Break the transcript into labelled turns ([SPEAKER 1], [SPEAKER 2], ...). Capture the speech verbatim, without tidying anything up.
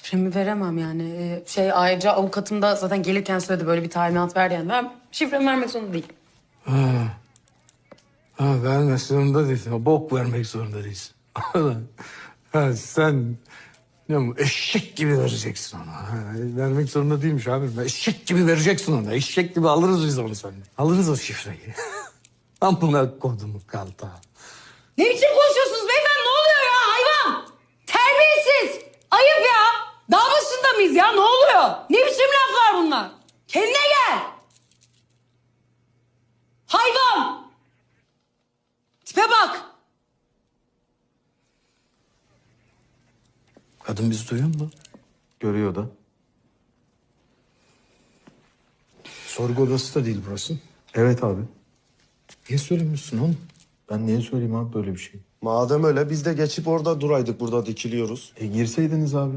[SPEAKER 1] Şifremi veremem yani. Ee, Şey ayrıca avukatım da zaten gelirken söyledi böyle bir talimat ver yani. Ben şifremi vermek zorunda değilim.
[SPEAKER 2] Ha. Ha, vermek zorunda değilsin. Ha, bok vermek zorunda değilsin. Ha, sen ne bu, eşek gibi vereceksin ona. Ha, vermek zorunda değilmiş abi. Eşek gibi vereceksin ona. Eşek gibi alırız biz onu senden. Alırız o şifreyi. Amına kodumu kalta.
[SPEAKER 1] Ne biçim konuşuyorsunuz beyefendi? Ne oluyor ya hayvan? Terbiyesiz. Ayıp ya. Dağ başında mıyız ya? Ne oluyor? Ne biçim laflar bunlar? Kendine gel. Hayvan. Tipe bak.
[SPEAKER 2] Kadın bizi duyuyor mu?
[SPEAKER 3] Görüyor da.
[SPEAKER 2] Sorgu odası da değil burası.
[SPEAKER 3] Evet abi.
[SPEAKER 2] Niye söylemiyorsun oğlum?
[SPEAKER 3] Ben niye söyleyeyim abi böyle bir şey?
[SPEAKER 4] Madem öyle biz de geçip orada duraydık, burada dikiliyoruz.
[SPEAKER 3] E girseydiniz abi.